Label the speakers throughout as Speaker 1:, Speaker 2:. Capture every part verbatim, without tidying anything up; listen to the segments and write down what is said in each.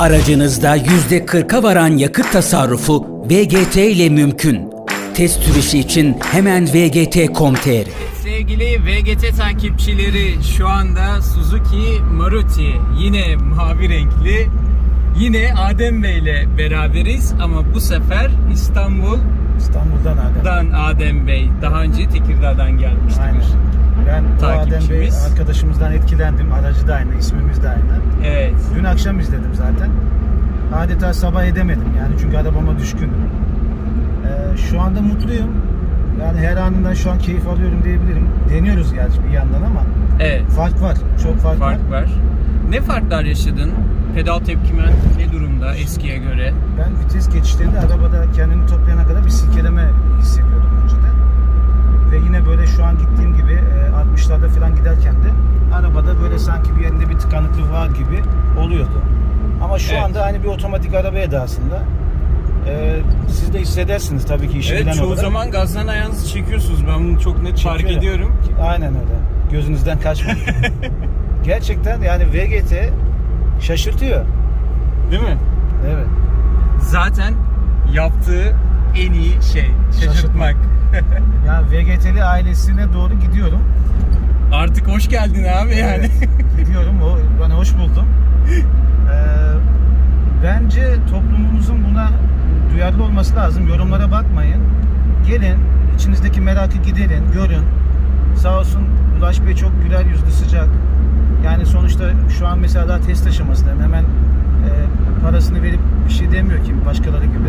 Speaker 1: Aracınızda yüzde kırka varan yakıt tasarrufu V G T ile mümkün. Test sürüşü için hemen v g t nokta com nokta t r.
Speaker 2: Sevgili V G T takipçileri, şu anda Suzuki Maruti, yine mavi renkli, yine Adem Bey ile beraberiz ama bu sefer İstanbul
Speaker 3: İstanbul'dan Adem.
Speaker 2: Adem Bey. Daha önce Tekirdağ'dan gelmişti.
Speaker 3: Aynen. Ben bu Adem Bey
Speaker 2: Takipçimiz.
Speaker 3: arkadaşımızdan etkilendim. Aracı da aynı, ismimiz de aynı.
Speaker 2: Evet.
Speaker 3: Dün akşam izledim zaten. Adeta sabah edemedim yani çünkü arabama düşkünüm. Ee, şu anda mutluyum. Yani her anından şu an keyif alıyorum diyebilirim. Deniyoruz gerçi bir yandan ama
Speaker 2: Evet.
Speaker 3: fark var. Çok fark, var.
Speaker 2: Fark var. Ne farklar yaşadın? Pedal tepkimen ne durumda eskiye göre?
Speaker 3: Ben vites geçişlerinde arabada kendini toplayana kadar bir silkeleme hissediyordum önceden. Ve yine böyle şu an gittiğim gibi altmışlarda falan giderken de arabada böyle sanki bir yerinde bir tıkanıklık var gibi oluyordu. Ama şu
Speaker 2: Evet.
Speaker 3: anda hani bir otomatik araba edasında. Ee, siz de hissedersiniz tabii ki işi
Speaker 2: Evet,
Speaker 3: bilen
Speaker 2: çoğu
Speaker 3: olarak.
Speaker 2: zaman gazdan ayağınızı çekiyorsunuz. Ben bunu çok net fark
Speaker 3: Çekiyorum.
Speaker 2: ediyorum.
Speaker 3: Aynen öyle. Gözünüzden kaçmıyor. Gerçekten yani V G T şaşırtıyor.
Speaker 2: Değil mi?
Speaker 3: Evet.
Speaker 2: Zaten yaptığı en iyi şey şaşırtmak.
Speaker 3: Yani V G T'li ailesine doğru gidiyorum.
Speaker 2: Artık hoş geldin abi yani.
Speaker 3: Evet, gidiyorum. O, ben hoş buldum. Ee, bence toplumumuzun buna duyarlı olması lazım. Yorumlara bakmayın. Gelin, içinizdeki merakı giderin, görün. Sağ olsun Ulaş Bey çok güler yüzlü, sıcak. Yani sonuçta şu an mesela daha test aşamasındayım. Hemen e, parasını verip bir şey demiyor ki başkaları gibi.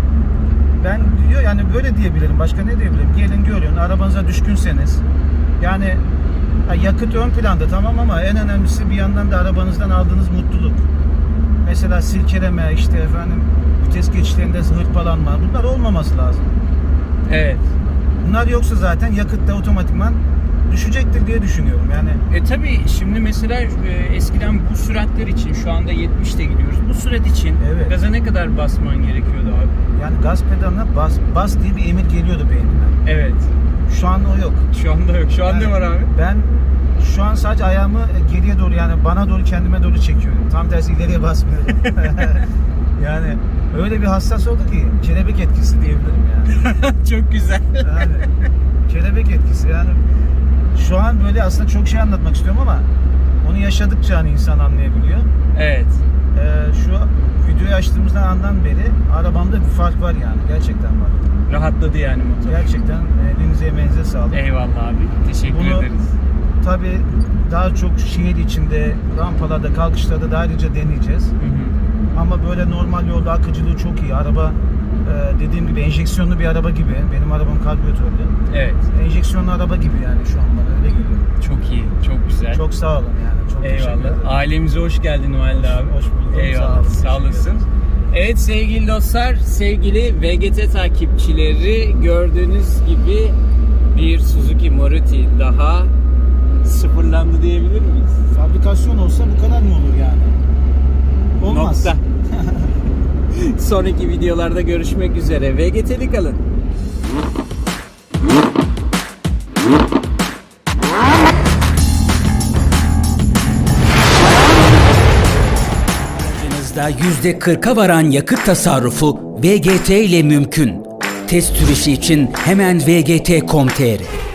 Speaker 3: Ben diyor yani böyle diyebilirim. Başka ne diyebilirim? Gelin görün. Arabanıza düşkünseniz. Yani ha, yakıt ön planda tamam ama en önemlisi bir yandan da arabanızdan aldığınız mutluluk. Mesela silkeleme, işte efendim vites geçişlerinde hırpalanma. Bunlar olmaması lazım.
Speaker 2: Evet.
Speaker 3: Bunlar yoksa zaten yakıtta otomatikman düşecektir diye düşünüyorum. Yani
Speaker 2: E tabi şimdi mesela e, eskiden bu süratler için, şu anda yetmişte gidiyoruz. Bu sürat için
Speaker 3: Evet.
Speaker 2: gaza ne kadar basman gerekiyordu abi?
Speaker 3: yani gaz pedalına bas bas diye bir emir geliyordu beynime.
Speaker 2: Evet.
Speaker 3: Şu an o yok.
Speaker 2: Şu anda yok. Şu an
Speaker 3: Yani
Speaker 2: ne var abi?
Speaker 3: Ben şu an sadece ayağımı geriye doğru yani bana doğru kendime doğru çekiyorum. Tam tersi ileriye basmıyorum. Yani öyle bir hassas oldu ki kelebek etkisi diyebilirim yani.
Speaker 2: Çok güzel.
Speaker 3: Yani kelebek etkisi yani şu an böyle aslında çok şey anlatmak istiyorum ama onu yaşadıkça hani insan anlayabiliyor.
Speaker 2: Evet.
Speaker 3: Ee, şu videoyu açtığımızdan andan beri arabamda bir fark var yani gerçekten var.
Speaker 2: Rahatladı yani motor.
Speaker 3: Gerçekten elinize emeğinize sağlık.
Speaker 2: Eyvallah abi. Teşekkür
Speaker 3: Bunu-
Speaker 2: ederiz.
Speaker 3: Tabii daha çok şehir içinde, rampalarda, kalkışlarda da ayrıca deneyeceğiz.
Speaker 2: Hı hı.
Speaker 3: Ama böyle normal yolda akıcılığı çok iyi. Araba e, dediğim gibi enjeksiyonlu bir araba gibi. Benim arabam karbüratörlü.
Speaker 2: Evet.
Speaker 3: Enjeksiyonlu araba gibi yani şu an bana öyle geliyor.
Speaker 2: Çok iyi. Çok güzel.
Speaker 3: Çok sağ olun yani. Çok teşekkür ederim.
Speaker 2: Eyvallah. Ailemize hoş geldin Valide abi.
Speaker 3: Hoş bulduk.
Speaker 2: Eyvallah.
Speaker 3: Sağ olun.
Speaker 2: Sağ
Speaker 3: Teşekkür
Speaker 2: olasın.
Speaker 3: ederim.
Speaker 2: Evet sevgili dostlar, sevgili V G T takipçileri, gördüğünüz gibi bir Suzuki Maruti daha sıfırlandı diyebilir miyiz?
Speaker 3: Fabrikasyon olsa bu kadar mı olur yani? Olmaz.
Speaker 2: Nokta. Sonraki videolarda görüşmek üzere. V G T'li kalın.
Speaker 1: Aracınızda yüzde kırka varan yakıt tasarrufu V G T ile mümkün. Test sürüşü için hemen v g t nokta com nokta t r.